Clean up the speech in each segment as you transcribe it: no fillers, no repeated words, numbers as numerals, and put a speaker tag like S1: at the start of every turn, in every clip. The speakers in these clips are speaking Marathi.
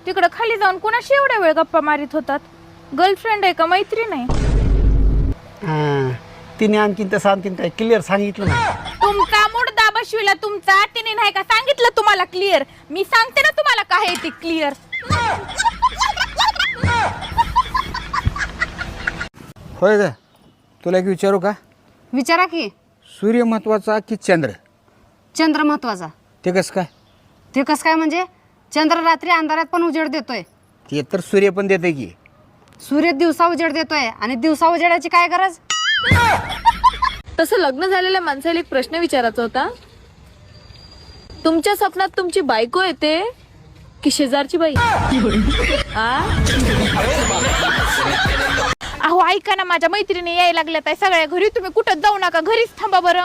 S1: तिकडं खाली जाऊन कुणाशी एवढ्या वेळ गप्पा मारित होतात? गर्लफ्रेंड आहे का मैत्रीण आहे?
S2: तिने आणखीन तसं आणखीन काय क्लिअर सांगितलं नाही.
S1: तुमचा मुडदा बसविला तुमचा, तिने नाही का सांगितलं तुम्हाला क्लिअर? मी सांगते ना तुम्हाला काय आहे ते क्लिअर.
S3: होय का? तुला एक विचारू का?
S4: विचारा की.
S3: सूर्य महत्वाचा की चंद्र?
S4: चंद्र महत्वाचा.
S3: ते कसं काय?
S4: ते कसं काय म्हणजे? चंद्र रात्री अंधारात पण उजेड देतोय.
S3: ते तर सूर्य पण देते की.
S4: सूर्य दिवसा उजेड देतोय आणि दिवसा उजेडाची काय गरज?
S1: तसं लग्न झालेल्या माणसाला एक प्रश्न विचारायचा होता. तुमच्या स्वप्नात तुमची बायको येते की शेजारची बाई? अहो ऐका ना, माझ्या मैत्रिणी यायला लागल्यात आहे सगळ्या घरी. तुम्ही कुठं जाऊ नका, घरीच थांबा बरं.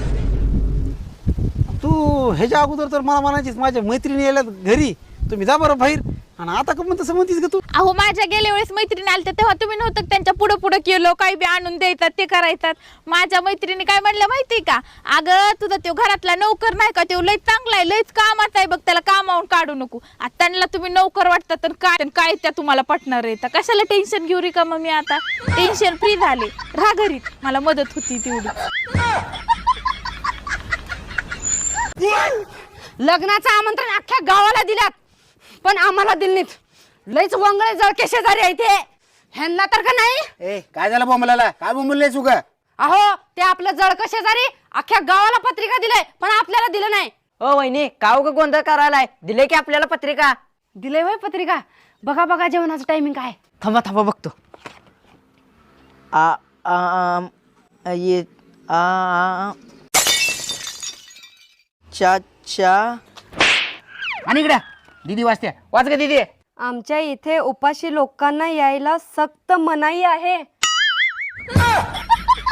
S2: तू ह्याच्या अगोदर तर मला म्हणायचीस माझ्या मैत्रिणी यायला घरी, तुम्ही जा बरं बाहेर, आणि आता का म्हणत तसं म्हणतीस का तू?
S1: अहो माझ्या गेल्या वेळेस मैत्रिणी आल्या तेव्हा तुम्ही नव्हतं त्यांच्या पुढं पुढं केलं, काही बी आणून द्यायतात ते करायतात. माझ्या मैत्रिणी काय म्हणल्या माहितीये का? अगं तुझा तो घरातला नोकर नाही का, तो लय चांगला आहे, लयच कामाचा आहे बघ, त्याला कामावून काढू नको. आता त्यांना तुम्ही नोकर वाटतात तर काय त्या तुम्हाला पटणार आहे? कशाला टेन्शन घेऊ रे का? मग मी आता टेन्शन फ्री झाले, राहा घरी, मला मदत होती तेवढी.
S4: लग्नाचं आमंत्रण अख्ख्या गावाला दिल्यात पण आम्हाला दिलं नाहीत. लयच वंगळे जळके शेजारी आहे ते. ह्यांना तर का नाही.
S3: ए काय झालं बोंबलाला? काय बोंबलले चुका?
S4: अहो ते आपलं जळकं शेजारी अख्ख्या गावाला पत्रिका दिलंय पण आपल्याला दिलं नाही.
S5: ओ वहिनी काव का गोंधळ करायलाय? दिले की आपल्याला पत्रिका?
S4: दिलंय वय पत्रिका. बघा बघा जेवणाचं टायमिंग काय.
S5: थांबा थांबा बघतो. ये चा चा
S3: आणि इकडे दीदी वाचते, वाच का दीदी?
S4: आमच्या इथे उपाशी लोकांना यायला सक्त मनाई आहे.